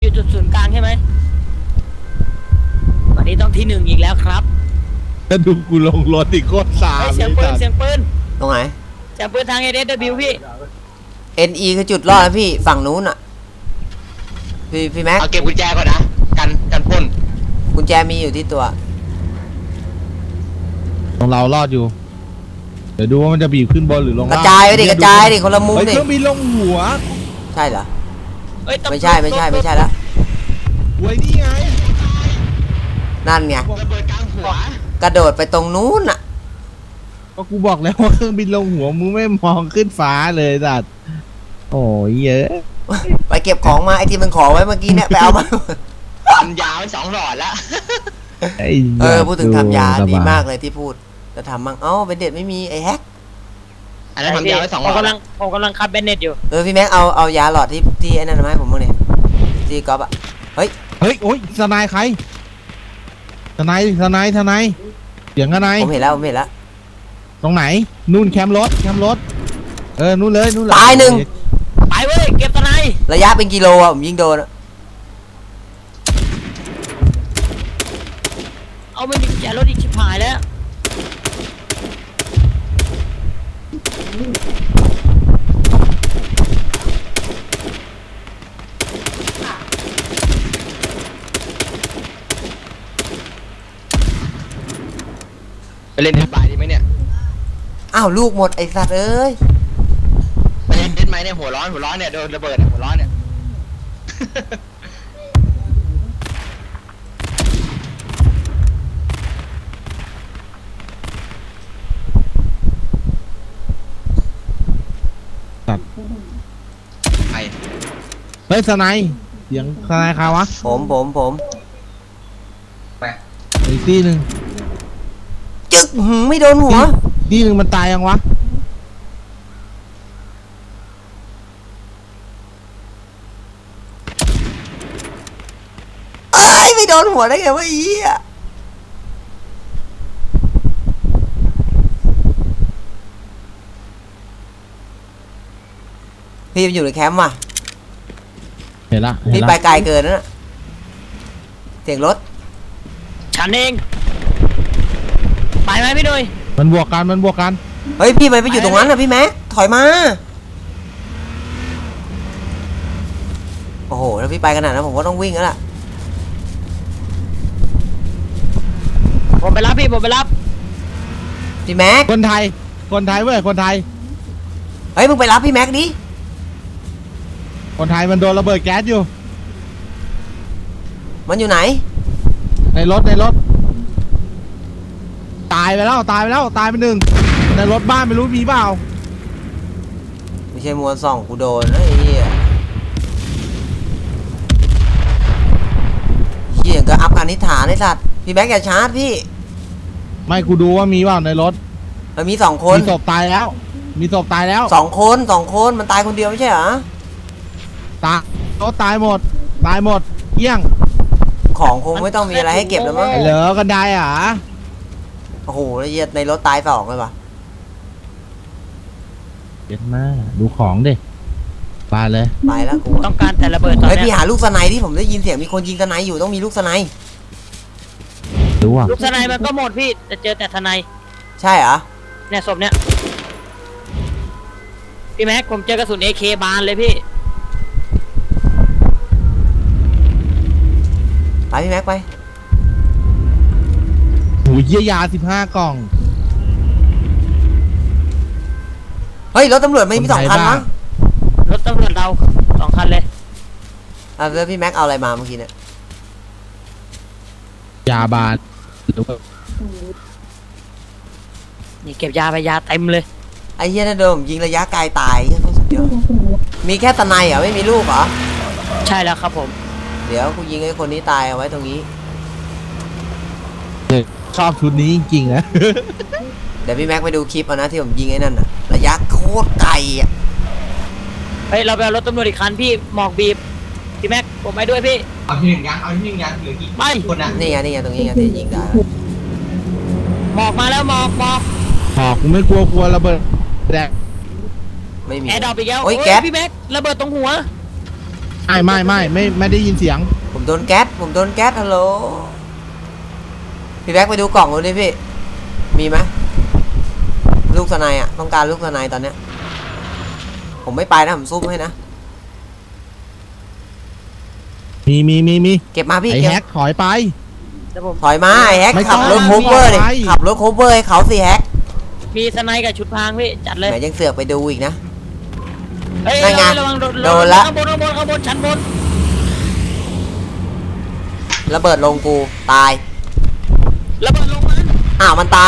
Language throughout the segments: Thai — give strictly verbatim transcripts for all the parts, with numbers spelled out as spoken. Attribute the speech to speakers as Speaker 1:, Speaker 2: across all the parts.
Speaker 1: อยู่จุดศูนย์กลางใช่ไหมวันนี้ต้องที่หนึ่งอีกแล้วครับ
Speaker 2: ถ้าดูกูลงรถอีกโคตรสา
Speaker 1: เฮ้ย
Speaker 2: ม
Speaker 1: เสียงปืนเสียงปืน
Speaker 3: ตรงไหน
Speaker 1: เสียงปืนทางเอเดสบิวพี่
Speaker 3: เอ็น อี คือจุดรอดนะพี่ฝั่งนู้นอ่ะพี่พี่แม็ก
Speaker 4: เอาเก็บกุญแจก่อนนะกันกันพ่น
Speaker 3: กุญแจมีอยู่ที่ตัว
Speaker 2: ของเรารอดอยู่เดี๋ยวดูว่ามันจะบีบขึ้นบนหรือลง
Speaker 3: กระ
Speaker 2: ล่าง
Speaker 3: จายไปดิกระจายดิคนละมุม
Speaker 2: เฮ้ย
Speaker 3: ดิ
Speaker 2: เครื่องบินลงหัว
Speaker 3: ใช่เหรอ
Speaker 1: เอ้ยต้อง
Speaker 3: ไม่ใช่ไม่ใช่ไม่ใช่แล้ว
Speaker 2: หวยนี่ไง
Speaker 3: นั่นไง
Speaker 4: ระเบิดกลางหัว
Speaker 3: กระโดดไปตรงนู้นอ่ะ
Speaker 2: ก็กูบอกแล้วว่าเครื่องบินลงหัวมึงไม่มองขึ้นฟ้าเลยสัตว์โอ้ยเยอะ
Speaker 3: ไปเก็บของมาไอที่มันขอไว้เมื่อกี้เนี่ยไปเอามา
Speaker 4: ทำยาวไปสองหลอดแล้ว
Speaker 3: เออพูดถึงทำยาดีมากเลยที่พูดจะทำมั่งเอ้าเป็นเด็ดไม่มีไอแฮก
Speaker 4: อันนั้นทำยาวไปสองหล
Speaker 1: ผ
Speaker 4: อ
Speaker 1: ม
Speaker 4: ด
Speaker 1: กำลังผมกำลังคัดเบนเน็ตอยู่
Speaker 3: เออพี่แม็กเอาเอายาหลอดที่ที่ไอ้นั่นมาให้ผมบ้างเนี่ยที่ก๊อฟอะเฮ้ย
Speaker 2: เฮ้ยโอ้ยทนายใครทนายทนายทนายเสียงทนาย
Speaker 3: ผมเห็นแล้วผมเห็นแล้ว
Speaker 2: ตรงไหนนู่นแคมป์รถแคมป์รถเออนู่นเลยนู่นเลย
Speaker 3: ตายหนึ่ง
Speaker 1: ไปเว้ยเก็บตะไน
Speaker 3: ระยะเป็นกิโลอะผมยิงโดนอะ
Speaker 1: เอาไม่มีกุญแจรถอีกชิบหายแล้ว
Speaker 4: ไปเล่นเล่นบายดีไหมเนี่ย
Speaker 3: อ้าวลูกหมดไอสัตว์เอ้ย
Speaker 4: ไปเล่นเล่นไหมเนี่ยหัวร้อนหัวร้อนเนี่ยโดนระเบิดอะหัวร้อนเนี่ย ไป
Speaker 2: เฮ้ยทนายเสียงทนายใครวะ
Speaker 3: ผมผมผม
Speaker 2: อีกที่หนึ่ง
Speaker 3: จึ๊กหืมไม่โดนหัว
Speaker 2: ที่หนึ่งมันตายยังวะ
Speaker 3: เอ้ยไม่โดนหัวได้ไงวะไอ้เหี้ยพี่มันอยู่ในแคมป์ว่ะ
Speaker 2: เห็นละเห็
Speaker 3: พี่
Speaker 2: น
Speaker 3: ไป
Speaker 2: ละ
Speaker 3: ไกลเกินนะเสียงรถ
Speaker 1: ฉันเองไปไหมพี่ดุย
Speaker 2: มันบวกกันมันบวกกัน
Speaker 3: เฮ้ยพี่มันไปอยู่ตรงนั้นนะพี่แม็กถอยมาโอ้โหแล้วพี่ไปขนาดนั้นผมก็ต้องวิ่งแล้วล่ะ
Speaker 1: ผมไปรับพี่ผมไปรับ
Speaker 3: พี่แม็ก
Speaker 2: คนไทยคนไทยเว้ยคนไทย
Speaker 3: เฮ้ยมึงไปรับพี่แม็กดิ
Speaker 2: คนไทยมันโดนระเบิดแก๊สอยู่
Speaker 3: มันอยู่ไหน
Speaker 2: ในรถในรถตายไปแล้วตายไปแล้วตายไปหนึ่งในรถบ้านไม่รู้มีเปล่า
Speaker 3: ไม่ใช่มวลส่องกูโดนนะไอ้เหี้ยเหี้ยก็อัพการนิฐานไอ้สัตว์พี่แม็กอย่าชาร์จพี่
Speaker 2: ไม่กูดูว่ามีเปล่าในรถ
Speaker 3: มันมีสองคน
Speaker 2: มีศพตายแล้ว มีศพตายแล้ว
Speaker 3: สองคนสองคนมันตายคนเดียวไม่ใช่เหรอ
Speaker 2: ตายรถตายหมด ตายหมดเกี้ยง
Speaker 3: ของคงไม่ต้องมีอะไรให้เก็บแล้วมั้ง
Speaker 2: เหลือกันได้อ่ะ
Speaker 3: โอ้โหแล้วเหี้ยในรถตายสองเลยปะ
Speaker 2: เด็ดมากดูของดิไปเลย
Speaker 3: ไปแล้วกู
Speaker 1: ต้องการแต่ระเบิดตอน
Speaker 3: เฮ้ยพี่
Speaker 1: เนี้ย
Speaker 3: หาลูกสไนด์ที่ผมได้ยินเสียงมีคนยิงสไนด์อยู่ต้องมีลูกสไนด์
Speaker 2: ดูอ่ะ
Speaker 1: ลูกทนายมันก็หมดพี่แต่เจอแต่ทนาย
Speaker 3: ใช่เหรอ
Speaker 1: เนี่ยศพเนี่ยพี่แม็กผมเจอกระสุน เอ เค บานเลยพี่
Speaker 3: ไปพี่แม็กไป
Speaker 2: หูเยี่ยยาสิบห้ากล่อง
Speaker 3: เฮ้ยรถตำรวจไม่มีสองคันมั้ง
Speaker 1: รถตำรวจเราสองคันเลย
Speaker 3: อ่ะแล้วพี่แม็กเอาอะไรมาเมื่อกี้เนี่ย
Speaker 2: ยาบานดู
Speaker 1: นี่เก็บยาไปยาเต็มเลย
Speaker 3: ไอ้เหี้ยนั่นโดนผมยิงระยะไกลตายเหี้ยโคตรสุดยอดมีแค่สไนด์เหรอไม่มีลูกเหรอ
Speaker 1: ใช่แล้วครับผม
Speaker 3: เดี๋ยวกูยิงไอ้คนนี้ตายเอาไว้ตรงนี้
Speaker 2: ชอบชุดนี้จริงๆนะ
Speaker 3: เดี๋ยวพี่แม็กไปดูคลิปเอานะที่ผมยิงไอ้นั่นน่ะระยะโคตรไกลอ่ะ
Speaker 1: เฮ้ยเราไปเอารถตำรวจอีกคันพี่หมอกบีบพี่แม็กผมไปด้วยพี่
Speaker 4: เอาที่หนึ่งยังเอาที่หนึ่งยังเหลือกี่
Speaker 1: ไป
Speaker 4: คนนะ
Speaker 3: นี่ไงนี่ไงตรงนี้ไงที่ยิงได้
Speaker 1: หมอกมาแล้วหมอกหมอก
Speaker 2: หอกกูไม่กลัวกลัวระเบิดแดก
Speaker 3: ไม่มี
Speaker 1: แอร์ดรอปอีกแล้ว
Speaker 3: โอ้ย
Speaker 1: โอ้ย
Speaker 3: แก๊ส
Speaker 1: พี่แม็กระเบิดตรงหัว
Speaker 2: ไม่ไม่ไม่ไม่ไม่ได้ยินเสียง
Speaker 3: ผมโดนแก๊สผมโดนแก๊สฮัลโหลพี่แบ็คไปดูกล่องดูดิพี่มีไหมลูกสไนอ่ะต้องการลูกสไนตอนเนี้ยผมไม่ไปนะผมซุ่มให้นะ
Speaker 2: มีมีมีมี
Speaker 3: เก็บมาพี่
Speaker 2: ไอ
Speaker 3: เก็บ
Speaker 2: แฮกถอยไป
Speaker 1: เดี๋ยวผม
Speaker 3: ถอยมาไอ้แฮก
Speaker 2: ไม่ต้
Speaker 3: ขั
Speaker 2: อบ ง
Speaker 3: รถโคเวอร์ดิ
Speaker 2: ไม่ไป
Speaker 3: ขับรถโคเวอร์ให้เขาสิแฮก
Speaker 1: มีสไนด์กับชุดพรางพี่จัดเลย
Speaker 3: ไหนยังเสือกไปดูอีกนะ
Speaker 1: เฮ้ย
Speaker 3: นั่นไง
Speaker 1: ระวังโดน
Speaker 3: โดนละ
Speaker 1: ข้างบนข้างบนข้างบนชั้นบน
Speaker 3: ระเบิดลงกูตาย
Speaker 1: ระเบิดลงมัน
Speaker 3: อ้าวมันตาย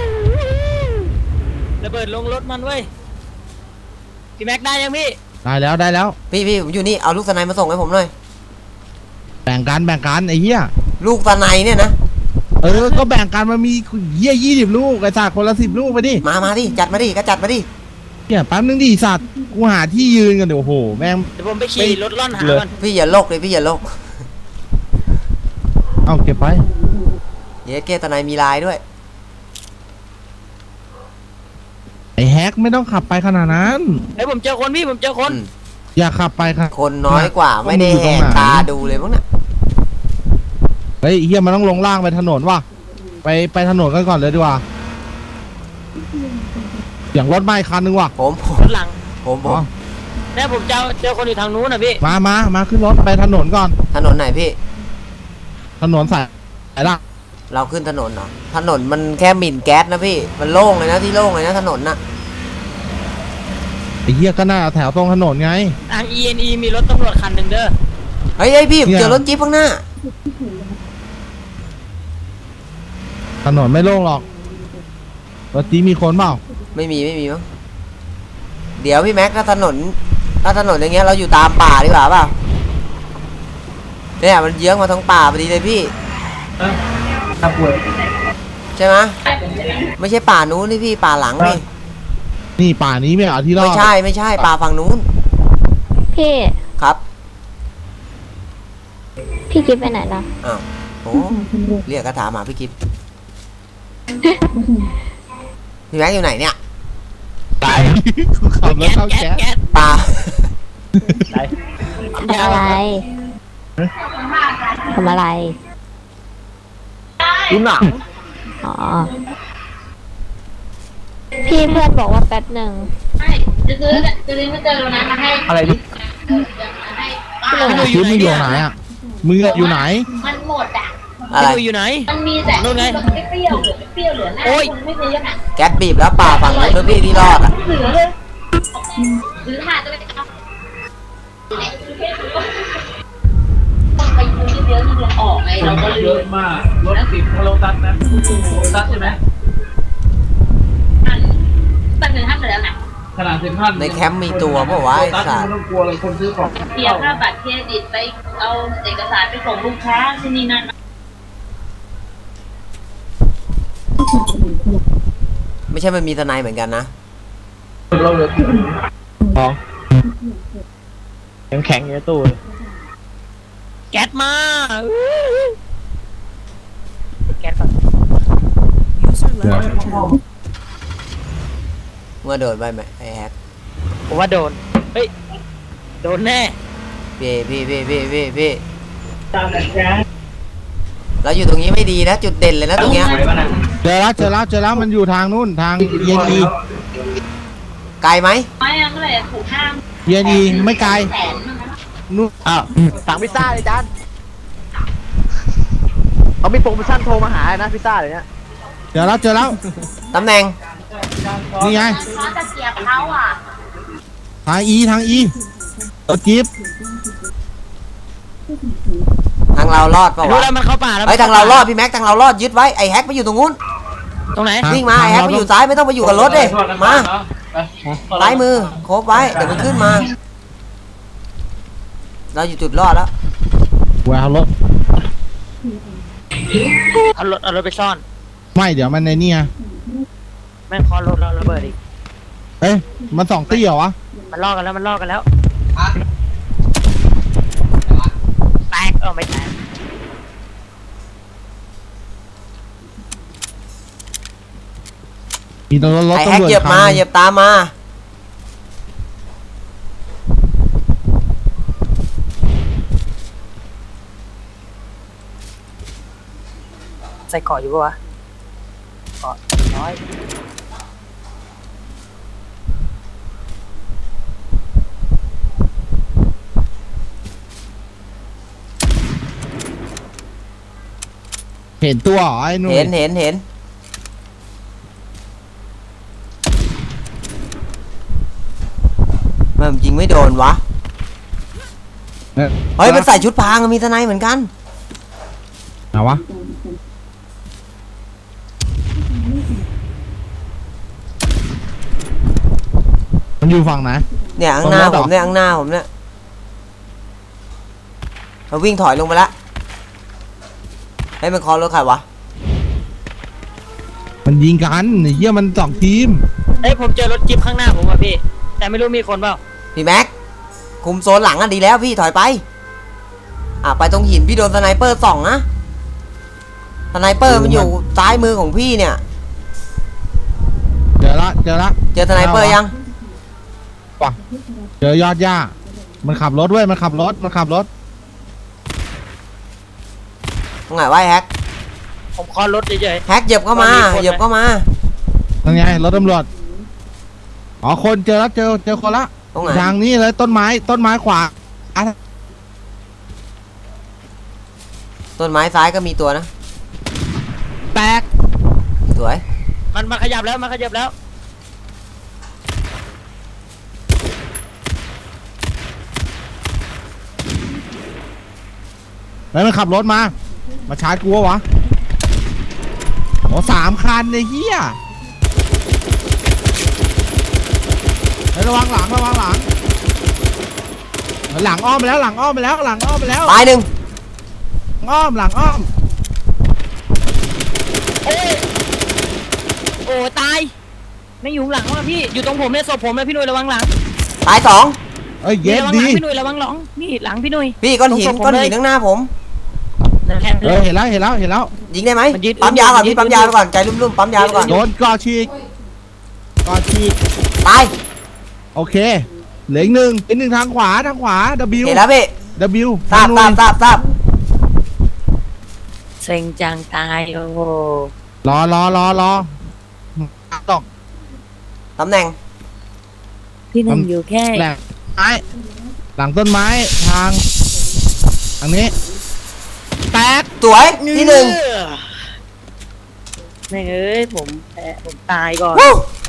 Speaker 1: ระเบิดลงรถมันเว้ยพี่แม็กได้ยังพี่
Speaker 2: ได้แล้วได้แล้ว
Speaker 3: พี่พี่ผมอยู่นี่เอาลูกสไนมาส่งให้ผมหน่อย
Speaker 2: แบ่งกันแบ่งกันไอ้เหี้ย
Speaker 3: ลูกสไนเนี่ยนะ
Speaker 2: เออก็แบ่งกันมันมีเหี้ยยี่สิบลูกไอ้สัตว์คนละสิบลูกไปดิ
Speaker 3: มามาดิจัดมาดิก็จัดมาดิ
Speaker 2: เนี่ยแป๊บนึงดิสัตว์กูหาที่ยืนกันเดี๋ยวโอ้โหแม่ง
Speaker 1: เดี๋ยวผมไปขี่รถล่อนหา
Speaker 2: เลย
Speaker 1: มัน
Speaker 3: พี่อย่าโลกเลยพี่อย่าโลก
Speaker 2: เอาเก็บไป
Speaker 3: เยสเกตสไนมีลายด้วย
Speaker 2: ไอ้แฮกไม่ต้องขับไปขนาดนั้น
Speaker 1: เฮ้ยผมเจอคนพี่ผมเจอคน
Speaker 3: อืม
Speaker 2: อย่าขับไปครับ
Speaker 3: คนน้อยกว่าไม่ได้แหกตาดูเลยมั้งเนี่ย
Speaker 2: เฮ้ยเฮียมันต้องลงล่างไปถนนว่ะไปไปถนนกันก่อนเลยดีกว่าอย่างรถไม้คันนึงว่ะ
Speaker 3: ผมผม
Speaker 1: รถหลัง
Speaker 3: ผมผ
Speaker 2: อ๋อ
Speaker 3: ม
Speaker 1: เนี่ยผมเจอเจอคนอยู่ทางนู้นนะพี่
Speaker 2: มามามาขึ้นรถไปถนนก่อน
Speaker 3: ถนนไหนพี่
Speaker 2: ถนนสายไหนล่ะ
Speaker 3: เราขึ้นถนนเหรอถนนมันแค่หมิ่นแก๊สนะพี่มันโล่งเลยนะที่โล่งเลยนะถนนน่ะ
Speaker 2: ไอ้เฮียก็น่าแถวตรงถนนไง
Speaker 1: ทาง อี เอ็น อี มีรถตำรวจคันหนึ่งเด้อ
Speaker 3: เฮ้ยเฮ้ยพี่ผม
Speaker 2: เนี่ย
Speaker 3: เจอรถจี๊ปข้างหน้า
Speaker 2: ถนนไม่โล่งหรอกรถจีมีคนเปล่า
Speaker 3: ไม่มีไม่มีมั้งเดี๋ยวพี่แม็กถ้าถนนถ้าถนนอย่างเงี้ยเราอยู่ตามป่าดีกว่าเปล่าเนี่ยมันเยื้องมาทั้งป่าพอดีเลยพี่ใช่ไหมไม่ใช่ป่านู้นนี่พี่ป่าหลังนี่
Speaker 2: นี่ป่านี้ไม่เอาที่รอด
Speaker 3: ไม่ใช่ไม่ใช่ป่าฝั่งนู้น
Speaker 5: พี่
Speaker 3: ครับ
Speaker 5: พี่กิฟไปไหนล่ะ
Speaker 3: อ้าวโอ้เรียกกระถามหาพี่กิฟพี่แม็กอยู่ไหนเนี่ย
Speaker 2: ตายกูขับรถเข้า
Speaker 1: แก๊ส
Speaker 2: แก๊ส
Speaker 1: แก๊ส
Speaker 3: ป่า
Speaker 5: ทำอะไรทำอะไร
Speaker 1: ดูหนัง
Speaker 5: อ๋อ พี่เพื่อนบอกว่าแป๊บหนึ่ง
Speaker 6: จะซื้อจะซื้อมาเจอแล้วนะมาให้
Speaker 1: อะไรดิ
Speaker 5: พี่หนึ่ง
Speaker 2: ชีวิตมึงอยู่ไหนอ่ะมึงอะอยู่ไหน
Speaker 6: มันหมดอ่ะ
Speaker 3: อะไร
Speaker 1: พี่อยู่ไหน
Speaker 6: มันมีแต่
Speaker 1: นู่นไง
Speaker 6: ไม่เปรี้ยวเหลือไม่เปรี้ยวเหลือหน้า
Speaker 1: โอ๊ย
Speaker 6: คุณไม่ซื้ออ่ะ
Speaker 3: แก๊สบีบแล้วป่าฝั่งนู้นนะพี่ที่รอดอ่ะ
Speaker 6: เหลือเลยซื้อถาดจะไปเอาต้องไปดูเยอะๆนี่เดือนออกไงเราก็ลื
Speaker 7: เยอะ
Speaker 6: ม
Speaker 7: มากรถติดโลตัสนะโลตัสใช่ไหม
Speaker 6: ตัดเงินห้าเหลือไหน
Speaker 7: ขนาดเซ็นทรัล
Speaker 3: ในแคมป์มีตัวเปล่าวะ
Speaker 7: โล
Speaker 3: ไอ้
Speaker 7: ตัส
Speaker 3: สัต
Speaker 7: ไม่
Speaker 3: ว์
Speaker 7: ต้องกลัวเลยคนซื้อของ
Speaker 6: เสียค่าบัตรเครดิตไปเอาเอกสารไปส่งลูกค้าที่นี่นั่น
Speaker 3: ไม่ใช่มันมีทนายเหมือนกันนะ
Speaker 7: เราเลย
Speaker 1: แข็งอยู่ในตู้แก๊สมาแก๊สก่อน
Speaker 3: เมื่อโดนไปไหมไอ้แฮก
Speaker 1: ผมว่าโดนเฮ้ยโดนแน่
Speaker 3: พี่พี่พี่พี่พี่พี่เราอยู่ตรงนี้ไม่ดีนะจุดเด่นเลยนะตรงเนี้ย
Speaker 2: เจอแล้วเจอแล้วเจอแล้วมันอยู่ทางนู้นทางเย็นอี
Speaker 3: ไกลไหม
Speaker 6: ไม่อะเมื่อไหร่ถูกห้าม
Speaker 2: เย็นอีไม่ไกล
Speaker 6: แสนมั้งนะ
Speaker 2: นู้นอ้าว
Speaker 8: สั่งพิซซ่าเลยจานเขามีโปรโมชั่นโทรมาหานะพิซซ่าเลยเนี่ย
Speaker 2: เจอแล้วเจอแล้ว
Speaker 3: ตำแหน่ง
Speaker 2: นี่ไง
Speaker 6: เขาจะเกียบเขาอ่ะ
Speaker 2: ทางอีทางอีรถจี๊ป
Speaker 3: ทางเรารอดเปล่า
Speaker 1: รู้
Speaker 3: วะ
Speaker 1: แล้วมันเข้าป่าแล้ว
Speaker 3: ไอ้ยทางเรารอดพี่แม็กทางเรารอดยึดไว้ไอ้แฮกไปอยู่ตรงนู้น
Speaker 1: ตรงไหน
Speaker 3: วิ่งมาไอ้แฮกไปอยู่ซ้ายไม่ต้องไปอยู่กับรถเลยมาซ้ายมือโคบไว้เดี๋ยวมันขึ้นมา เราอยู่จุดรอดแล้ว
Speaker 2: แววรถ
Speaker 1: เอารถเอารถไปซ่อน
Speaker 2: ไม่เดี๋ยวมันในนี่ไง
Speaker 1: แม่งคอรถเราระเบิดอีก
Speaker 2: เอ้ยมันสองตี้เหรอวะ
Speaker 1: มันลอกกันแล้วมันลอกกันแล้วแตกเออไม่แตก
Speaker 2: มีรถรถ
Speaker 3: ไอ้แฮ
Speaker 2: ตำ
Speaker 3: ก
Speaker 2: รวจ
Speaker 3: เหยียบมา
Speaker 2: คัน
Speaker 3: เหยียบตามมา
Speaker 1: ใส่เกาะอยู่ปะวะเกาะน้อย
Speaker 2: เห็นตัวเหรอไอ้หนุ่ย
Speaker 3: เห็นเห็นเห็นมันยิงไม่โดนวะ
Speaker 2: เอ้ย
Speaker 3: เฮ้ยมันใส่ชุดพรางมีทนายเหมือนกัน
Speaker 2: เอาวะมันอยู่ฝั่งไหน
Speaker 3: เนี่ยข้างหน้า
Speaker 2: ตรงรถเหรอ
Speaker 3: ผมเนี่ยข้างหน้าผมเนี่ยมันวิ่งถอยลงไปแล้วเฮ้ยมันคอรถใครวะ
Speaker 2: มันยิงกันไอ้เหี้ยมันสองทีม
Speaker 1: เอ้ยผมเจอรถจิ๊บข้างหน้าผมว่ะพี่แต่ไม่รู้มีคนเปล่า
Speaker 3: พี่แม็กคุมโซนหลังอ่ะดีแล้วพี่ถอยไปอ่ะไปตรงหินพี่โดนสไนเปอร์ส่องนะสไนเปอร์มันอยู่ซ้ายมือของพี่เนี่ย
Speaker 2: เจอละเจอละ
Speaker 3: เจอสไนเปอร์ยัง
Speaker 2: ป่ะเจอยอดย่ามันขับรถเว้ยมันขับรถมันขับรถ
Speaker 3: ตรงไหนวะไอ้แฮก
Speaker 1: ผมคอรถเฉย
Speaker 3: แฮกเหยียบเข้ามา
Speaker 1: มันมีคนไหม
Speaker 3: เหยียบเข้ามา
Speaker 2: นั่นไงรถตำรวจอ๋อคนเจอแล้วเจอเจอคนละ
Speaker 3: ตรงไหน
Speaker 2: ทางนี้เลยต้นไม้ต้นไม้ขวาอ่ะ
Speaker 3: ต้นไม้ซ้ายก็มีตัวนะ
Speaker 2: แตก
Speaker 3: สวย
Speaker 1: ๆมันมาขยับแล้วมาขยับแล้ว
Speaker 2: แล้วมันขับรถมา มาชาร์จกูวะโอ้สามคันไอ้เหี้ยเฮ้ยระวังหลังระวังหลังหลังอ้อมไปแล้วหลังอ้อมไปแล้วหลังอ้อมไปแล้ว
Speaker 3: ตายหนึ่ง
Speaker 2: อ้อมหลังอ้อม
Speaker 1: โอ้ยโอ้ตายไม่อยู่ข้างหลังว่ะพี่อยู่ตรงผมเนี่ยศพผมเลยพี่หนุ่ยระวังหลัง
Speaker 3: ตายสอง
Speaker 2: เอ้ยเย็ด
Speaker 1: ระวังห
Speaker 2: ดี
Speaker 1: ลังพี่หนุ่ยระวังหลังนี่หลังพี่หนุ่ย
Speaker 3: พี่ก้อนหิน
Speaker 1: ตรงศพผม
Speaker 3: ก้อนหิน
Speaker 1: เลย
Speaker 3: ข้างหน้าผม
Speaker 1: นั่นแหละ
Speaker 2: เออเห็นแล้วเห็นแล้วเห็นแล้ว
Speaker 3: ยิงได้ไหม
Speaker 1: มันยืด
Speaker 3: ปั๊มยาก่อน
Speaker 1: มันยืด
Speaker 3: พี่ปั๊มยาไปก่อนใจรุ่มๆปั๊มยาไปก่อน
Speaker 2: โดนก่อฉีกก่อฉีก
Speaker 3: ตาย
Speaker 2: โอเคเหลืออีกหนึ่งอีกหนึ่งทางขวาทางขวา W
Speaker 3: เห็นแล้วพี่
Speaker 2: W
Speaker 3: ทราบทราบทราบทราบ
Speaker 1: เซ็งจังตายโอ้โห
Speaker 2: รอรอรอรอตก
Speaker 3: ตำแหน่ง
Speaker 1: พี่หนุ่มอยู่แค่
Speaker 2: แหลกไม้หลังต้นไม้ทางทางนี้แตก
Speaker 3: สวยที่หนึ่ง
Speaker 1: แม่งเอ้ยผมแพ้ผมตายก่อน
Speaker 3: วู้